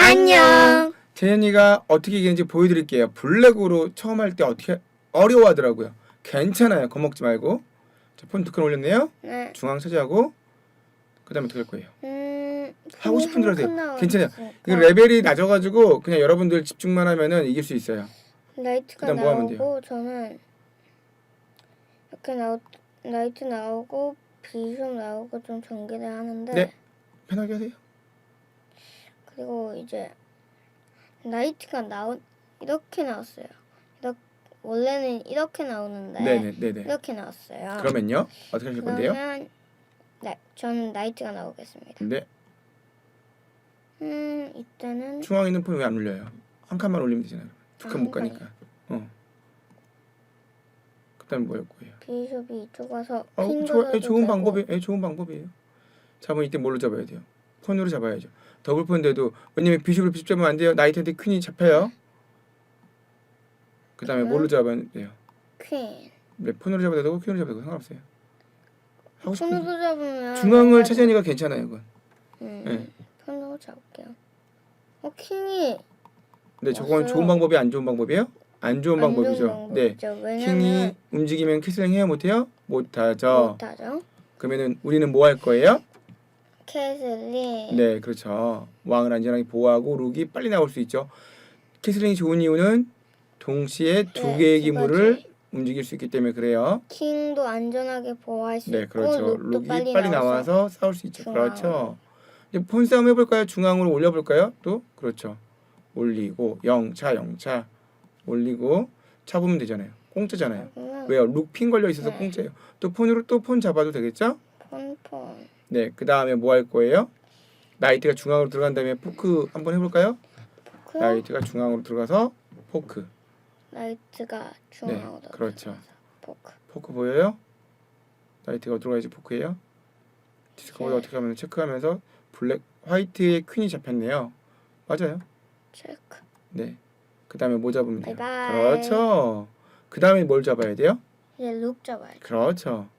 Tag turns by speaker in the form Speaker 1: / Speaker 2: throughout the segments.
Speaker 1: 안녕.
Speaker 2: 재현이가 어떻게 이기는지 보여드릴게요. 블랙으로 처음 할 때 어떻게 어려워하더라고요. 괜찮아요. 겁먹지 말고. 자, 폰 두 칸 올렸네요.
Speaker 1: 네.
Speaker 2: 중앙 차지하고 그 다음에 어떻게 할 거예요? 하고 싶은 대로 하세요. 괜찮아요. 이거
Speaker 1: 그
Speaker 2: 레벨이 낮아가지고 그냥 여러분들 집중만 하면은 이길 수 있어요.
Speaker 1: 라이트가
Speaker 2: 그다음 뭐 하면
Speaker 1: 나오고 저는 이렇게 라이트 나오고 비숍 나오고 좀 전개를 하는데
Speaker 2: 네. 편하게 하세요.
Speaker 1: 그리고 이제 라이트가 이렇게 나왔어요. 원래는 이렇게 나오는데
Speaker 2: 네네.
Speaker 1: 이렇게 나왔어요.
Speaker 2: 그러면요 어떻게 하실 건데요?
Speaker 1: 그러면 저는 라이트가 나오겠습니다.
Speaker 2: 네.
Speaker 1: 이때는
Speaker 2: 중앙에 있는 폰 왜 안 올려요? 한 칸만 올리면 되잖아요. 두 칸 못
Speaker 1: 한
Speaker 2: 가니까. 그다음 뭐 할 거예요?
Speaker 1: 비숍이 이쪽 와서
Speaker 2: 좋은 방법이에요. 좋은 방법이에요. 잡으면 이때 뭘로 잡아야 돼요? 폰으로 잡아야죠. 더블 폰인데도 왜냐면 비숍을 비숍 잡으면 안 돼요. 나이트한테 퀸이 잡혀요. 그 다음에 뭘로 잡아야 돼요?
Speaker 1: 퀸.
Speaker 2: 네, 폰으로 잡아도 되고 퀸으로 잡아도 되고 상관없어요. 하고 싶은
Speaker 1: 폰으로 잡으면
Speaker 2: 중앙을 차지하니까 괜찮아요. 그건. 네.
Speaker 1: 폰으로 잡을게요. 킹이
Speaker 2: 근데 저건
Speaker 1: 없어요.
Speaker 2: 좋은 방법이 안 좋은 방법이에요? 안 좋은 방법이죠. 네. 킹이
Speaker 1: 왜냐면
Speaker 2: 움직이면 캐슬링 해야 못해요? 못하죠.
Speaker 1: 못하죠.
Speaker 2: 그러면은 우리는 뭐 할 거예요?
Speaker 1: 캐슬링.
Speaker 2: 네, 그렇죠. 왕을 안전하게 보호하고 룩이 빨리 나올 수 있죠. 캐슬링이 좋은 이유는 동시에 두
Speaker 1: 네,
Speaker 2: 개의
Speaker 1: 두
Speaker 2: 기물을
Speaker 1: 가지.
Speaker 2: 움직일 수 있기 때문에 그래요.
Speaker 1: 킹도 안전하게 보호할 수
Speaker 2: 네,
Speaker 1: 있고
Speaker 2: 그렇죠.
Speaker 1: 룩도
Speaker 2: 룩이 빨리 나와서 싸울 수 있죠.
Speaker 1: 중앙으로.
Speaker 2: 그렇죠. 이제 폰 싸움 해볼까요? 중앙으로 올려볼까요? 또 그렇죠. 올리고 영차 올리고 잡으면 되잖아요. 공짜잖아요. 왜요? 룩 핀 걸려 있어서
Speaker 1: 네.
Speaker 2: 공짜예요. 또 폰으로 또 폰 잡아도 되겠죠?
Speaker 1: 폰.
Speaker 2: 네, 그 다음에 뭐 할 거예요? 나이트가 중앙으로 들어간 다음에 포크 한번 해볼까요?
Speaker 1: 포크.
Speaker 2: 나이트가 중앙으로 들어가서 포크.
Speaker 1: 라이트가 중앙으로
Speaker 2: 네, 그렇죠.
Speaker 1: 들어가서 포크.
Speaker 2: 포크 보여요? 나이트가 어디로 가야지 포크예요? 디스커버드 어떻게 하면 체크하면서 화이트의 퀸이 잡혔네요. 맞아요.
Speaker 1: 체크.
Speaker 2: 네. 그 다음에 뭐 잡으면 돼요?
Speaker 1: 바이바이.
Speaker 2: 그렇죠. 그 다음에 뭘 잡아야 돼요?
Speaker 1: 이제 룩 잡아야 돼.
Speaker 2: 그렇죠.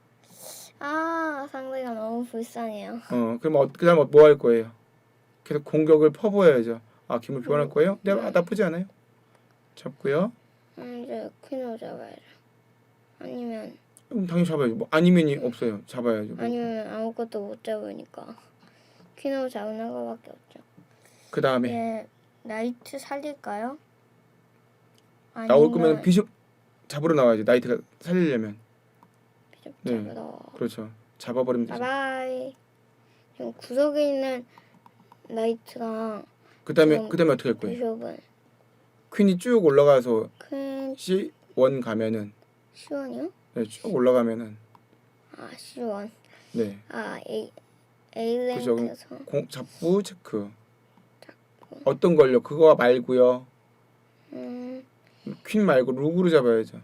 Speaker 1: 상대가 너무 불쌍해요.
Speaker 2: 그럼 그 다음 뭐 할 거예요? 계속 공격을 퍼부어야죠. 기물 교환할 거예요? 네, 나쁘지 않아요. 잡고요.
Speaker 1: 이제 퀸으로 잡아야죠. 아니면
Speaker 2: 당연히 잡아야죠. 뭐 아니면이 없어요. 잡아야죠.
Speaker 1: 아니면 아무것도 못 잡으니까 퀸으로 잡는 거밖에 없죠.
Speaker 2: 그 다음에
Speaker 1: 예, 라이트 살릴까요?
Speaker 2: 나올 거면 비숍 잡으러 나와야죠. 나이트가 살리려면.
Speaker 1: 비숍
Speaker 2: 네.
Speaker 1: 잡으러.
Speaker 2: 그렇죠. 잡아버리면 되죠.
Speaker 1: 바이바이. 지금 구석에 있는 라이트랑
Speaker 2: 그 다음에
Speaker 1: 지금
Speaker 2: 어떻게 할 거예요?
Speaker 1: 비숍은
Speaker 2: 퀸이 쭉 올라가서
Speaker 1: 퀸
Speaker 2: C1 가면은
Speaker 1: C1이요?
Speaker 2: 네, 쭉 올라가면은
Speaker 1: C1.
Speaker 2: 네.
Speaker 1: A
Speaker 2: 그죠.
Speaker 1: 랭크에서
Speaker 2: 잡부 체크. 어떤 걸요? 그거 말고요. 퀸 말고 룩으로 잡아야죠.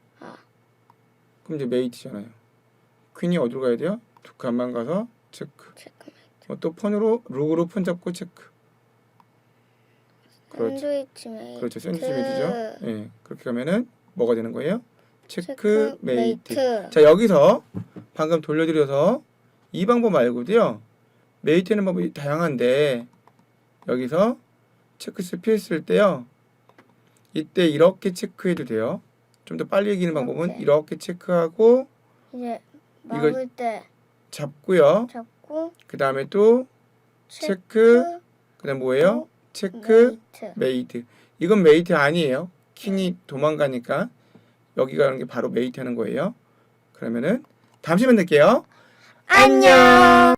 Speaker 2: 그럼 이제 메이트잖아요. 퀸이 어디로 가야 돼요? 두 칸만 가서 체크. 또 폰으로 룩으로 폰 잡고 체크. 그렇죠.
Speaker 1: 샌드위치 메이트.
Speaker 2: 그렇죠. 샌드위치 메이트죠. 예. 그렇게 가면은 뭐가 되는 거예요? 체크 메이트. 자, 여기서 방금 돌려드려서 이 방법 말고도요. 메이트는 방법이 다양한데 여기서 체크 필수일 때요. 이때 이렇게 체크해도 돼요. 좀 더 빨리 이기는 방법은 이렇게 체크하고
Speaker 1: 이제 막을 때
Speaker 2: 잡고요. 그 다음에 또 체크. 그 다음 뭐예요? 체크 메이트. 이건 메이트 아니에요. 킹이 도망가니까 여기 가는 게 바로 메이트 하는 거예요. 그러면은 다음 시간에 뵐게요.
Speaker 1: 안녕.